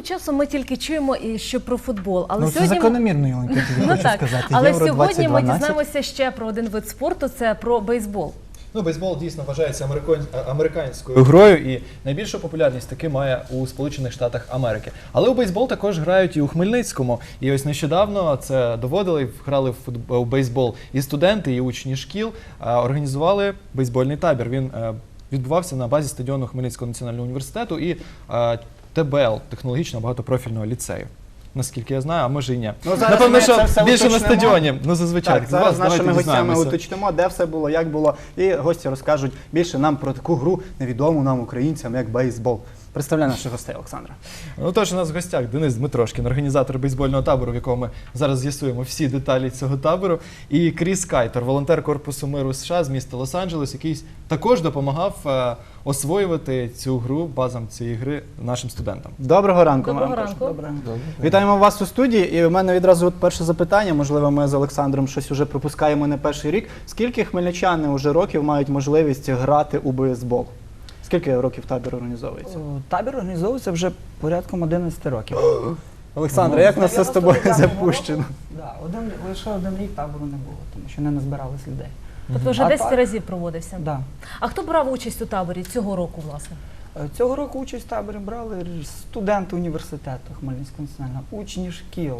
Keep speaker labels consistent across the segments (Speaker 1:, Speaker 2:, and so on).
Speaker 1: часом ми тільки чуємо, що про футбол. Але
Speaker 2: Ну, це
Speaker 1: сьогодні
Speaker 2: закономірно, Ілонька, я тобі хочу сказати.
Speaker 1: Але
Speaker 2: Євро
Speaker 1: сьогодні ми
Speaker 2: 2012.
Speaker 1: дізнаємося ще про один вид спорту – це про бейсбол.
Speaker 3: Ну, бейсбол дійсно вважається американською грою, і найбільшу популярність таки має у Сполучених Штатах Америки. Але у бейсбол також грають і у Хмельницькому. І ось нещодавно це доводили, грали у бейсбол і студенти, і учні шкіл, організували бейсбольний табір. Він відбувався на базі стадіону Хмельницького національного університету і ТБЛ, технологічного багатопрофільного ліцею. Наскільки я знаю, а може і ні.
Speaker 4: Ну, зараз
Speaker 3: напевно,
Speaker 4: ми
Speaker 3: що
Speaker 4: це все
Speaker 3: більше на
Speaker 4: уточнимо.
Speaker 3: стадіоні. Ну, зазвичай.
Speaker 4: Так, зараз з нашими
Speaker 3: давайте
Speaker 4: гостями
Speaker 3: дізнаємося.
Speaker 4: уточнимо, де все було, як було. І гості розкажуть більше нам про таку гру, невідому нам, українцям, як бейсбол. Представляю наших гостей, Олександра.
Speaker 3: Ну, тож у нас в гостях Денис Дмитрошкін, організатор бейсбольного табору, в якому ми зараз з'ясуємо всі деталі цього табору, і Кріс Кайтер, волонтер Корпусу миру США з міста Лос-Анджелес, який також допомагав освоювати цю гру, базам цієї гри нашим студентам.
Speaker 4: Доброго ранку.
Speaker 1: Доброго
Speaker 4: вам.
Speaker 1: ранку.
Speaker 4: Доброго. Вітаємо вас у студії. І в мене відразу перше запитання, можливо, ми з Олександром щось уже пропускаємо не перший рік. Скільки хмельничани уже років мають можливість грати у бейсбол? Скільки років табір організовується?
Speaker 5: Табір організовується вже порядком 11 років.
Speaker 4: Олександр, як нас це з тобою
Speaker 5: 99-го
Speaker 4: запущено?
Speaker 5: року, да, лише один рік табору не було, тому що не назбирались людей.
Speaker 1: Тобто вже
Speaker 5: А
Speaker 1: 10
Speaker 5: так?
Speaker 1: разів проводився.
Speaker 5: Да.
Speaker 1: А хто брав участь у таборі цього року, власне?
Speaker 5: Цього року участь в таборі брали студенти університету Хмельницького національного, учні шкіл,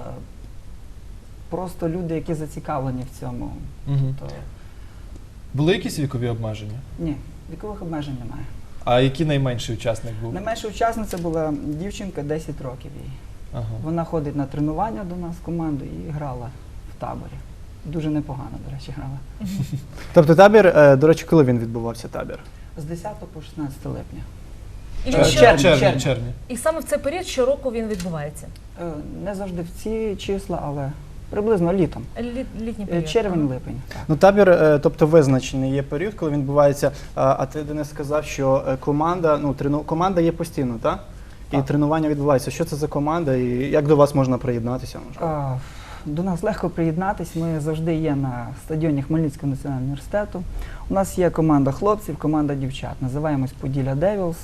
Speaker 5: просто люди, які зацікавлені в цьому.
Speaker 3: Мгм.
Speaker 5: То,
Speaker 3: Були якісь вікові обмеження?
Speaker 5: ні, вікових обмежень немає.
Speaker 3: А який найменший учасник був?
Speaker 5: Найменша учасниця була дівчинка, 10 років їй.
Speaker 3: Ага.
Speaker 5: Вона ходить на тренування до нас в команду і грала в таборі. Дуже непогано, до речі, грала.
Speaker 4: Тобто табір, до речі, коли він відбувався табір?
Speaker 5: З 10 по 16 липня.
Speaker 1: І,
Speaker 5: Червень.
Speaker 1: щороку-
Speaker 5: Червень.
Speaker 3: Червні.
Speaker 1: і саме в цей період щороку він відбувається?
Speaker 5: Не завжди в ці числа, але приблизно літом.
Speaker 1: Літній період.
Speaker 5: Червень-липень. так.
Speaker 4: Ну, табір, тобто визначений є період, коли він відбувається. А ти, Денис, сказав, що команда, команда є постійно, так? І
Speaker 5: Так.
Speaker 4: тренування відбувається. Що це за команда і як до вас можна приєднатися?
Speaker 5: До нас легко приєднатись. Ми завжди є на стадіоні Хмельницького національного університету. У нас є команда хлопців, команда дівчат. Називаємось Поділля Девілс.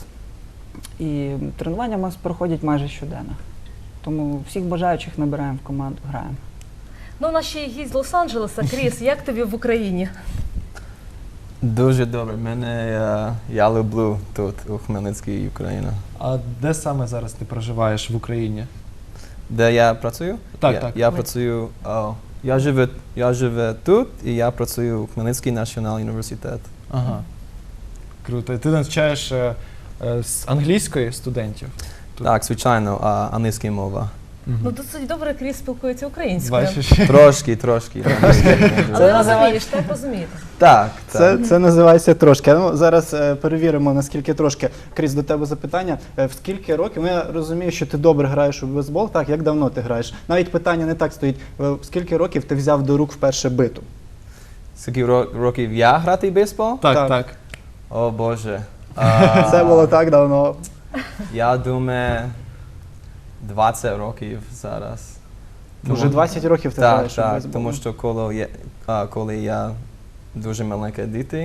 Speaker 5: І тренування у нас проходять майже щоденно. Тому всіх бажаючих набираємо в команду, граємо.
Speaker 1: Ну, у нас ще є гість з Лос-Анджелеса. Кріс, як тобі в Україні?
Speaker 6: Дуже добре. Я люблю тут, у Хмельницькій, Україна.
Speaker 3: А де саме зараз ти проживаєш в Україні?
Speaker 6: Де я працюю?
Speaker 3: Так, так.
Speaker 6: Я працюю, я живу тут і я працюю у Хмельницький національний університет.
Speaker 3: Ага. Круто. І ти навчаєш з англійської студентів? Тут.
Speaker 6: Так, звичайно, англійська мова.
Speaker 1: Ну, досить добре Кріс спілкується українською.
Speaker 3: Бачиш?
Speaker 6: Трошки.
Speaker 1: Але розумієш, так розумієте.
Speaker 6: Так,
Speaker 4: Це називається трошки. Ну, зараз перевіримо, наскільки трошки. Кріс, до тебе запитання. В скільки років? Ну, я розумію, що ти добре граєш у бейсбол. Так, як давно ти граєш? Навіть питання не так стоїть. В скільки років ти взяв до рук вперше биту?
Speaker 6: Скільки років я грати в бейсбол?
Speaker 3: Так, так.
Speaker 6: О Боже.
Speaker 4: Це було так давно.
Speaker 6: Я думаю, 20 років зараз.
Speaker 4: Уже 20 років ти
Speaker 6: Так,
Speaker 4: граєш у бейсбол.
Speaker 6: тому що коли я дуже маленька дитина,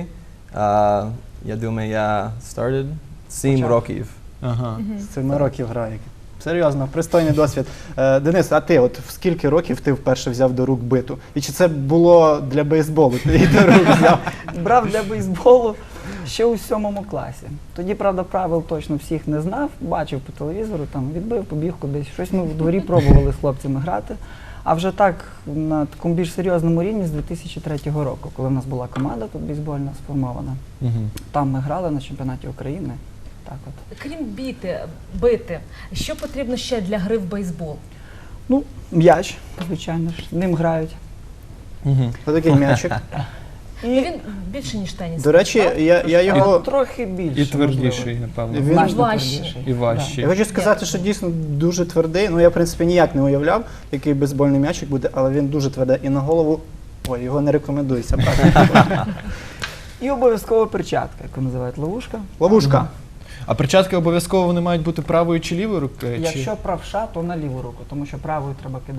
Speaker 6: я думаю, я started 7 років.
Speaker 3: Ага.
Speaker 4: З 7 років грає. Серйозно, пристойний досвід. Денис, а ти от в скільки років ти вперше взяв до рук биту? І чи це було для бейсболу? Ти її до рук взяв?
Speaker 5: Брав для бейсболу ще у 7 класі. Тоді, правда, правил точно всіх не знав, бачив по телевізору, там відбив, побіг кудись. Щось ми в дворі пробували з хлопцями грати. А вже так на такому більш серйозному рівні з 2003 року, коли в нас була команда тут бейсбольна сформована. Там ми грали на чемпіонаті України. Так от.
Speaker 1: Крім бити, що потрібно ще для гри в бейсбол?
Speaker 5: Ну, м'яч, звичайно ж, ним грають.
Speaker 4: Отакий м'ячик.
Speaker 1: І він більше, ніж теніс.
Speaker 4: До речі, я його...
Speaker 5: Трохи більше.
Speaker 3: І твердіший, напевно.
Speaker 4: Він-
Speaker 5: Значно
Speaker 1: Важче.
Speaker 5: твердіший.
Speaker 3: І важчий.
Speaker 4: Я хочу сказати, що дійсно дуже твердий. Ну, я, в принципі, ніяк не уявляв, який бейсбольний м'ячик буде, але він дуже твердий. І на голову, ой, його не рекомендується брати.
Speaker 5: І обов'язково перчатка, яку називають ловушка.
Speaker 4: Ловушка.
Speaker 3: А перчатки обов'язково вони мають бути правою чи лівою рукою?
Speaker 5: Якщо правша, то на ліву руку, тому що правою треба кидати.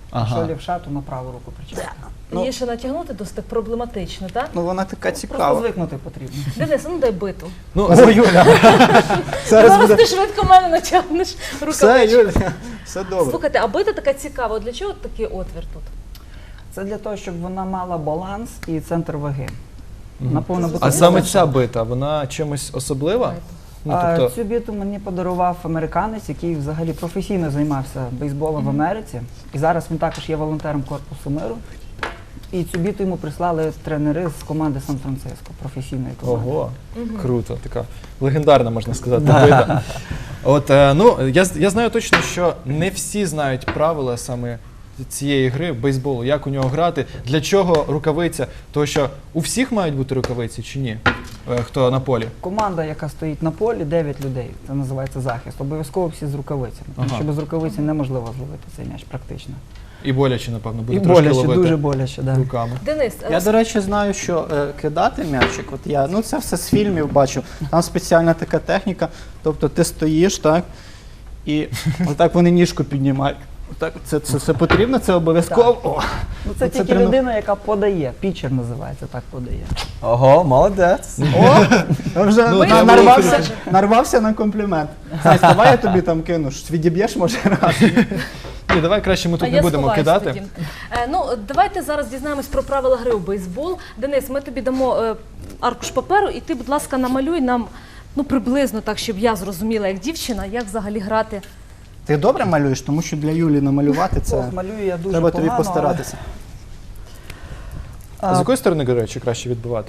Speaker 3: Ага.
Speaker 5: Якщо лівша, то на праву руку причепити. Ну.
Speaker 1: Її ще натягнути досить проблематично, так?
Speaker 4: Ну вона така
Speaker 5: Просто
Speaker 4: цікава.
Speaker 5: звикнути потрібно.
Speaker 1: Денис, ну дай биту.
Speaker 3: Ну,
Speaker 4: О, Юля, зараз
Speaker 1: Зараз
Speaker 4: буде.
Speaker 1: ти швидко мене натягнеш
Speaker 4: Все,
Speaker 1: рукавичку.
Speaker 4: Юля, все добре.
Speaker 1: Слухайте, а бита така цікава. Для чого такий отвір тут?
Speaker 5: Це для того, щоб вона мала баланс і центр ваги.
Speaker 3: Мгм.
Speaker 5: Вона повинна бути
Speaker 3: А саме
Speaker 5: балансна.
Speaker 3: ця бита, вона чимось особлива? Ну, тобто,
Speaker 5: Цю біту мені подарував американець, який взагалі професійно займався бейсболом в Америці. І зараз він також є волонтером Корпусу миру. І цю біту йому прислали тренери з команди Сан-Франциско, професійної команди.
Speaker 3: ого, круто, така легендарна, можна сказати, бита. От, ну, я знаю точно, що не всі знають правила саме цієї гри бейсболу, як у нього грати, для чого рукавиця, тому що у всіх мають бути рукавиці чи ні? Хто на полі?
Speaker 5: Команда, яка стоїть на полі, 9 людей, це називається захист. Обов'язково всі з рукавицями. Тому
Speaker 3: Ага.
Speaker 5: що без рукавиці неможливо зловити цей м'яч практично.
Speaker 3: І боляче, напевно, буде
Speaker 5: І
Speaker 3: трошки
Speaker 5: боляче,
Speaker 3: ловити
Speaker 5: дуже боляче, да.
Speaker 3: руками.
Speaker 1: Денис,
Speaker 4: Я, до речі, знаю, що кидати м'ячик, от я, ну це все з фільмів бачу, там спеціальна така техніка, тобто ти стоїш, так, і отак вони ніжку піднімають. Отак, це потрібно, це обов'язково. О,
Speaker 5: Ну, це тільки людина, яка подає. Пітчер називається, так подає.
Speaker 6: Ого, молодець.
Speaker 4: я вже
Speaker 3: Ну,
Speaker 1: треба
Speaker 4: нарвався на комплімент. Знаєш, давай я тобі там кину, відіб'єш, може, раз.
Speaker 3: Ні, давай краще ми
Speaker 1: а
Speaker 3: тут не
Speaker 1: я
Speaker 3: будемо
Speaker 1: сховаюсь
Speaker 3: кидати.
Speaker 1: тоді. Ну, давайте зараз дізнаємось про правила гри у бейсбол. Денис, ми тобі дамо аркуш паперу, і ти, будь ласка, намалюй нам, ну, приблизно так, щоб я зрозуміла, як дівчина, як взагалі грати.
Speaker 4: Ти добре малюєш, тому що для Юлі намалювати це
Speaker 5: Ох, малюю я дуже
Speaker 4: треба
Speaker 5: погано,
Speaker 4: тобі постаратися.
Speaker 3: А з якої сторони, до речі, краще відбивати?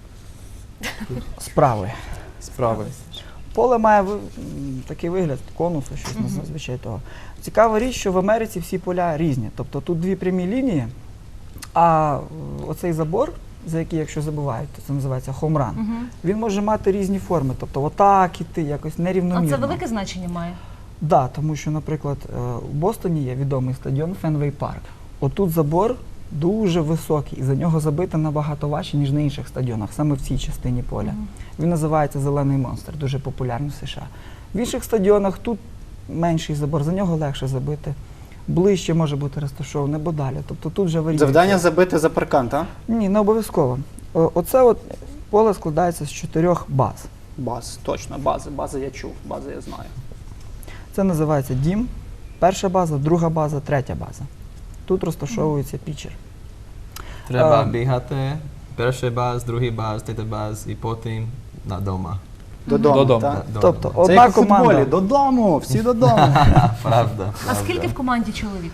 Speaker 5: Справи.
Speaker 3: Справи.
Speaker 5: Поле має такий вигляд конусу, щось зазвичай того. Цікава річ, що в Америці всі поля різні. Тобто тут дві прямі лінії, а оцей забор, за який, якщо забувають, то це називається хоумран, він може мати різні форми. Тобто отак іти, якось
Speaker 1: А
Speaker 5: нерівномірно.
Speaker 1: це велике значення має?
Speaker 5: Да, тому що, наприклад, у Бостоні є відомий стадіон Фенвей Парк. Отут забор дуже високий, і за нього забити набагато важче, ніж на інших стадіонах, саме в цій частині поля. Він називається «Зелений монстр», дуже популярний в США. В інших стадіонах тут менший забор, за нього легше забити. Ближче може бути розташований, або далі. Тобто тут вже варіюється.
Speaker 4: Завдання забити за паркан, так?
Speaker 5: Ні, не обов'язково. Оце от поле складається з 4 баз.
Speaker 4: Баз, точно, бази я чув, бази я знаю.
Speaker 5: Це називається дім, перша база, друга база, третя база. Тут розташовується пітчер.
Speaker 6: Треба бігати. Перший баз, другий баз, третій баз і потім додому.
Speaker 4: Додому, так?
Speaker 5: Тобто
Speaker 4: Це
Speaker 5: одна
Speaker 4: як у футболі,
Speaker 5: команда.
Speaker 4: додому, всі додому.
Speaker 6: Правда.
Speaker 1: А скільки в команді чоловік?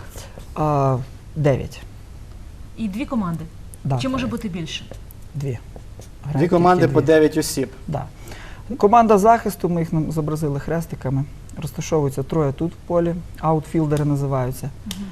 Speaker 5: 9.
Speaker 1: І дві команди?
Speaker 5: Да,
Speaker 1: Чи може
Speaker 5: 9.
Speaker 1: бути більше?
Speaker 5: Дві.
Speaker 4: Дві команди по 9 осіб.
Speaker 5: Да. Команда захисту, ми їх зобразили хрестиками. Розташовується 3 тут в полі, аутфілдери називаються.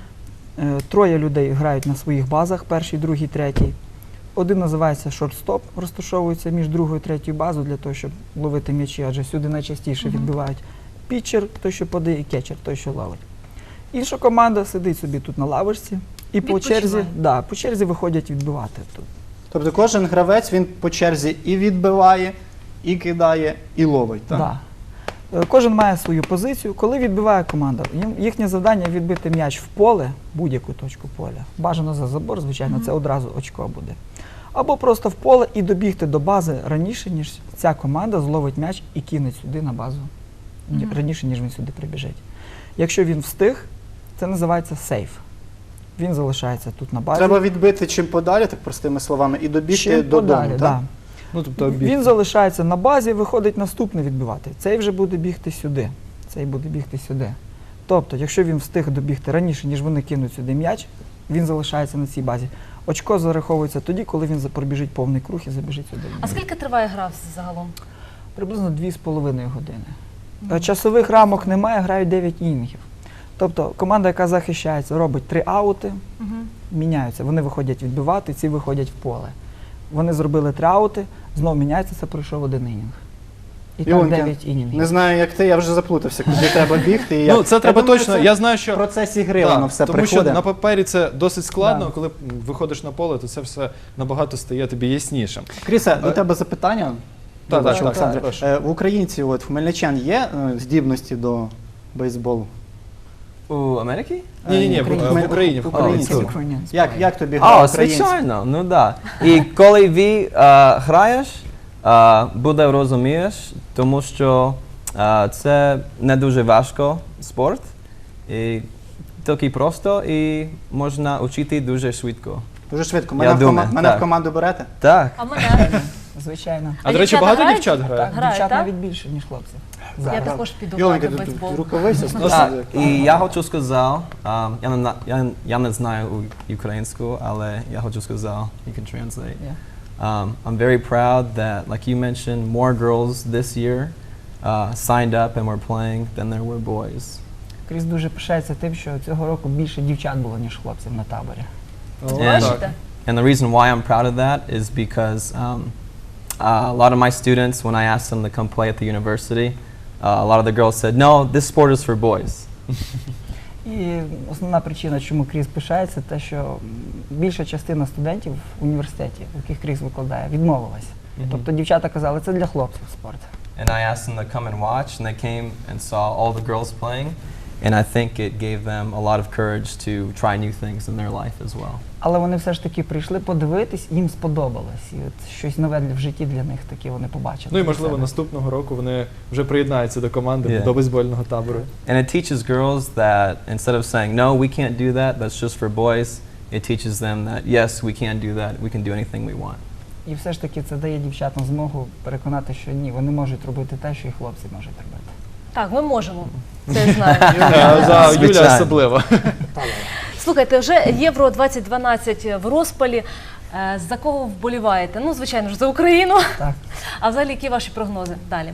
Speaker 5: 3 людей грають на своїх базах, перший, другий, третій. Один називається шортстоп, розташовується між другою і третьою базою для того, щоб ловити м'ячі, адже сюди найчастіше відбивають пітчер, той, що подає, і кетчер, той, що ловить. Інша команда сидить собі тут на лавочці і по черзі виходять відбивати тут.
Speaker 4: Тобто кожен гравець, він по черзі і відбиває, і кидає, і ловить, так?
Speaker 5: Да. Кожен має свою позицію. Коли відбиває команда, їхнє завдання відбити м'яч в поле, будь-яку точку поля. Бажано за забор, звичайно, це одразу очко буде. Або просто в поле і добігти до бази раніше, ніж ця команда зловить м'яч і кине сюди на базу. Раніше, ніж він сюди прибіжить. Якщо він встиг, це називається сейф. Він залишається тут на базі.
Speaker 4: Треба відбити чим подалі, так простими словами, і добігти
Speaker 5: Чим
Speaker 4: додому,
Speaker 5: подалі,
Speaker 4: так?
Speaker 5: да.
Speaker 3: Ну, тобто
Speaker 5: Він залишається на базі, виходить наступний відбивати. Цей вже буде бігти сюди. Цей буде бігти сюди. Тобто, якщо він встиг добігти раніше, ніж вони кинуть сюди м'яч, він залишається на цій базі. Очко зараховується тоді, коли він пробіжить повний круг і забіжить сюди.
Speaker 1: А скільки триває гра загалом?
Speaker 5: Приблизно 2,5 години. Часових рамок немає, грають 9 інінгів. Тобто команда, яка захищається, робить 3 аути, міняються. Вони виходять відбивати, ці виходять в поле. Вони зробили 3 аути, знову міняється, це пройшов 1 інінг. І так
Speaker 4: Ілонька,
Speaker 5: 9 інінгів.
Speaker 4: не знаю, як ти, я вже заплутався, куди треба бігти. І як.
Speaker 3: Ну, це треба
Speaker 4: Я думаю,
Speaker 3: точно.
Speaker 4: це
Speaker 3: Я знаю, що
Speaker 4: в процесі гри
Speaker 3: Да,
Speaker 4: воно все
Speaker 3: тому
Speaker 4: приходить.
Speaker 3: що на папері це досить складно,
Speaker 5: Да.
Speaker 3: коли виходиш на поле, то це все набагато стає тобі яснішим.
Speaker 4: Крісе, до тебе запитання.
Speaker 3: Так,
Speaker 4: Вибач,
Speaker 3: так,
Speaker 4: Олександре.
Speaker 3: прошу.
Speaker 4: В українців, от, в хмельничан є здібності до бейсболу?
Speaker 6: У Америці?
Speaker 3: Ні, в Україні.
Speaker 4: В Україні.
Speaker 6: О,
Speaker 4: Як тобі гра українців?
Speaker 6: звичайно, ну да. І коли ви граєш, буде розумієш, тому що це не дуже важко спорт, і тільки просто, і можна вчити дуже швидко.
Speaker 4: Дуже швидко.
Speaker 6: Я думаю,
Speaker 4: Мене в
Speaker 6: так.
Speaker 4: команду берете?
Speaker 6: Так.
Speaker 1: А мене?
Speaker 5: Звичайно.
Speaker 3: А, до речі,
Speaker 1: дівчата
Speaker 3: багато
Speaker 1: грають?
Speaker 3: дівчат грає?
Speaker 5: Так,
Speaker 1: Грають,
Speaker 5: дівчат
Speaker 1: так?
Speaker 5: навіть більше, ніж хлопців.
Speaker 1: Я
Speaker 5: Зараз.
Speaker 1: також піду
Speaker 4: Йоленька,
Speaker 1: грати в
Speaker 4: тут
Speaker 1: бейсбол.
Speaker 4: рукавиця.
Speaker 6: Так, і я хочу сказати, я не знаю українську, але я хочу сказати, you can translate. I'm very proud that, like you mentioned, more girls this year signed up and were playing than there were boys.
Speaker 5: Кріс дуже пишається тим, що цього року більше дівчат було, ніж хлопців на таборі.
Speaker 1: Бачите?
Speaker 6: And the reason why I'm proud of that is because a lot of my students, when I asked them to come play at the university, a lot of the girls said, no, this sport is for boys.
Speaker 5: І основна причина, чому Кріс пишається, те, що більша частина студентів в університеті, в яких Кріс викладає, відмовилась. Тобто дівчата казали, це для хлопців спорт.
Speaker 6: And I asked them to come and watch, and they came and saw all the girls playing, and I think it gave them a lot of courage to try new things in their life as well.
Speaker 5: Але вони все ж таки прийшли подивитись, їм сподобалось. І от щось нове в житті для них таке вони побачили.
Speaker 3: Ну і
Speaker 5: для
Speaker 3: можливо
Speaker 5: себе.
Speaker 3: наступного року вони вже приєднаються до команди,
Speaker 6: Yeah.
Speaker 3: до бейсбольного табору.
Speaker 6: And it teaches girls that instead of saying, no, we can't do that, that's just for boys, it teaches them that, yes, we can do that, we can do anything we want.
Speaker 5: І все ж таки це дає дівчатам змогу переконати, що ні, вони можуть робити те, що і хлопці можуть робити.
Speaker 1: Так, ми можемо. Це я знаю.
Speaker 3: За Юля
Speaker 6: Звичайно.
Speaker 3: особливо.
Speaker 1: Слухайте, вже Євро 2012 в розпалі. За кого вболіваєте? Ну, звичайно ж, за Україну.
Speaker 5: Так.
Speaker 1: А взагалі, які ваші прогнози далі?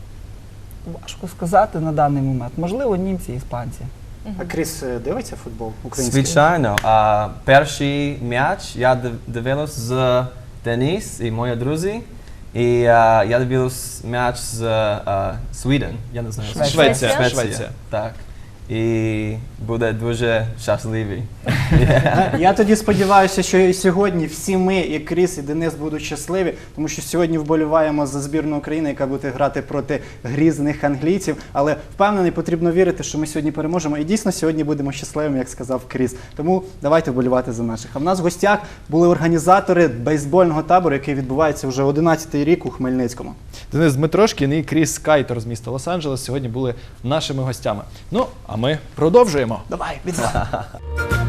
Speaker 5: Важко сказати на даний момент. Можливо, німці, іспанці.
Speaker 4: А Кріс дивиться футбол український?
Speaker 6: Звичайно. Перший м'яч я дивилась з Денис і мої друзі. І я дивилась м'яч з Sweden. Я не знаю.
Speaker 3: Швеція.
Speaker 6: Так. І буде дуже щасливий.
Speaker 4: Я тоді сподіваюся, що і сьогодні всі ми, і Кріс, і Денис будуть щасливі, тому що сьогодні вболіваємо за збірну України, яка буде грати проти грізних англійців. Але впевнений, потрібно вірити, що ми сьогодні переможемо. І дійсно сьогодні будемо щасливими, як сказав Кріс. Тому давайте вболівати за наших. А в нас в гостях були організатори бейсбольного табору, який відбувається вже 11-й рік у Хмельницькому.
Speaker 3: Денис Дмитрошкін і Кріс Кайтор з міста Лос-Анджелес сьогодні були нашими гостями. Ну, а ми продовжуємо.
Speaker 4: Давай, відзва.